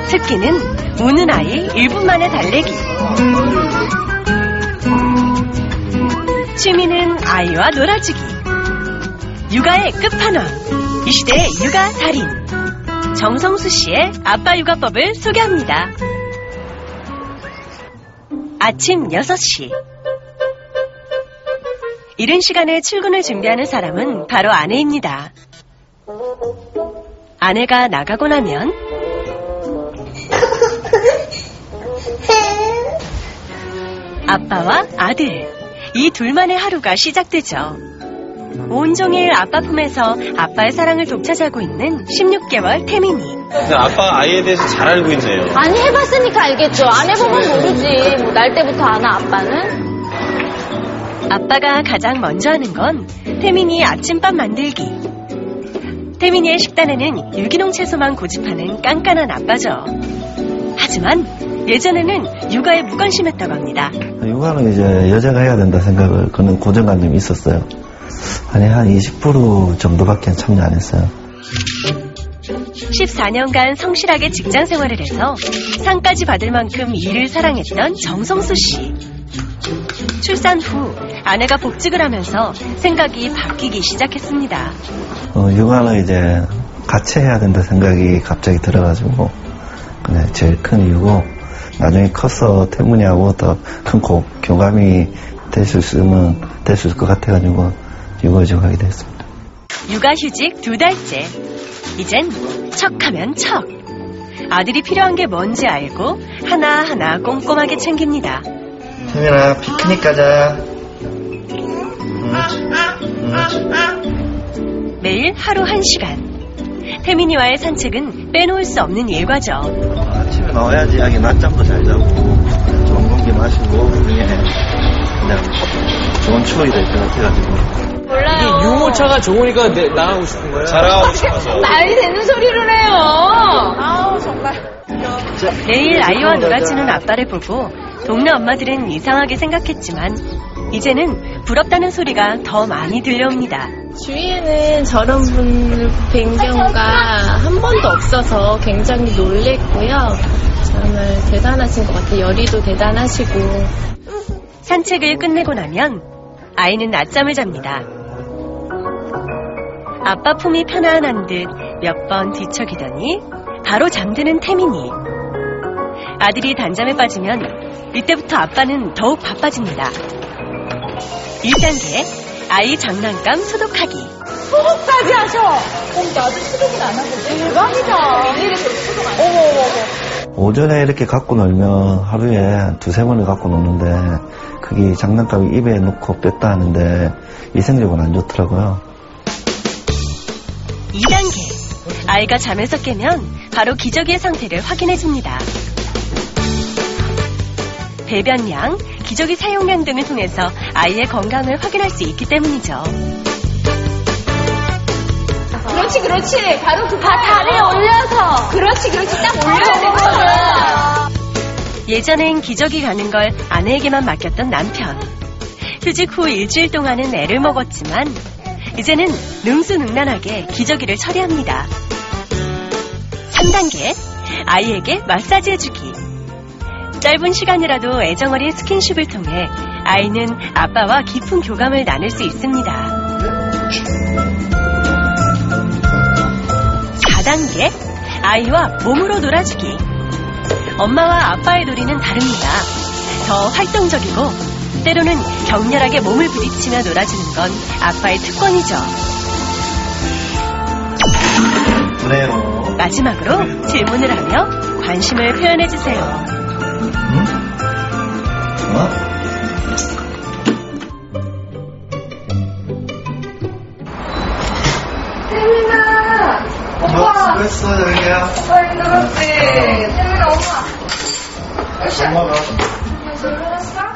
특기는 우는 아이 1분 만에 달래기. 취미는 아이와 놀아주기. 육아의 끝판왕, 이 시대의 육아 달인 정성수 씨의 아빠 육아법을 소개합니다. 아침 6시. 이른 시간에 출근을 준비하는 사람은 바로 아내입니다. 아내가 나가고 나면 아빠와 아들, 이 둘만의 하루가 시작되죠. 온종일 아빠 품에서 아빠의 사랑을 독차지하고 있는 16개월 태민이. 아빠가 아이에 대해서 잘 알고 있네요. 아니, 해봤으니까 알겠죠. 안 해보면 모르지. 뭐 날 때부터 아나, 아빠는? 아빠가 가장 먼저 하는 건 태민이 아침밥 만들기. 태민이의 식단에는 유기농 채소만 고집하는 깐깐한 아빠죠. 하지만 예전에는 육아에 무관심했다고 합니다. 육아는 이제 여자가 해야 된다 생각을 그런 고정관념이 있었어요. 아니, 한 20% 정도밖에 참여 안 했어요. 14년간 성실하게 직장 생활을 해서 상까지 받을 만큼 일을 사랑했던 정성수 씨. 출산 후 아내가 복직을 하면서 생각이 바뀌기 시작했습니다. 육아는 이제 같이 해야 된다 생각이 갑자기 들어가지고 그냥 제일 큰 이유고, 나중에 커서 태문이하고 더 큰 교감이 될 수 있을 것 같아가지고 육아를 하게 됐습니다. 육아휴직 2달째. 이젠 척하면 척. 아들이 필요한 게 뭔지 알고 하나하나 꼼꼼하게 챙깁니다. 태민아, 피크닉 가자. 매일 하루 1시간. 태민이와의 산책은 빼놓을 수 없는 일과죠. 아침에 나와야지 아기 낮잠도 잘 자고 좋은 공기 마시고 그냥 좋은 추억이 될 것 같아가지고. 몰라요. 유모차가 좋으니까 나가고 싶은 거예요? 자랑하고 싶어서. 말이 되는 소리를 해요. 아우, 정말. 매일 아이와 놀아주는 아빠를 보고 동네 엄마들은 이상하게 생각했지만 이제는 부럽다는 소리가 더 많이 들려옵니다. 주위에는 저런 분을 뵌 경우가 한 번도 없어서 굉장히 놀랬고요. 정말 대단하신 것 같아요. 열의도 대단하시고. 산책을 끝내고 나면 아이는 낮잠을 잡니다. 아빠 품이 편안한 듯 몇 번 뒤척이더니 바로 잠드는 태민이. 아들이 단잠에 빠지면 이때부터 아빠는 더욱 바빠집니다. 1단계, 아이 장난감 소독하기. 소독까지 하셔. 나도 소독은 안 하고 대박이다. 이래서 소독 안 해. 어머. 오전에 이렇게 갖고 놀면 하루에 2-3번을 갖고 노는데 그게 장난감을 입에 넣고 뺐다 하는데 위생적으로 안 좋더라고요. 2단계, 아이가 잠에서 깨면 바로 기저귀의 상태를 확인해줍니다. 배변량, 기저귀 사용량 등을 통해서 아이의 건강을 확인할 수 있기 때문이죠. 그렇지. 바로 그 다리에 올려서. 그렇지. 딱 올려야 되거든. 예전엔 기저귀 가는 걸 아내에게만 맡겼던 남편. 휴직 후 일주일 동안은 애를 먹었지만 이제는 능수능란하게 기저귀를 처리합니다. 3단계, 아이에게 마사지 해주기. 짧은 시간이라도 애정어린 스킨십을 통해 아이는 아빠와 깊은 교감을 나눌 수 있습니다. 4단계, 아이와 몸으로 놀아주기. 엄마와 아빠의 놀이는 다릅니다. 더 활동적이고 때로는 격렬하게 몸을 부딪히며 놀아주는 건 아빠의 특권이죠. 그래요. 마지막으로 질문을 하며 관심을 표현해주세요. 응? 태민아! 오빠! 수고했어, 여기야. 힘들었지? 태민아, 엄마! 엄마가. 벌써 일어났어?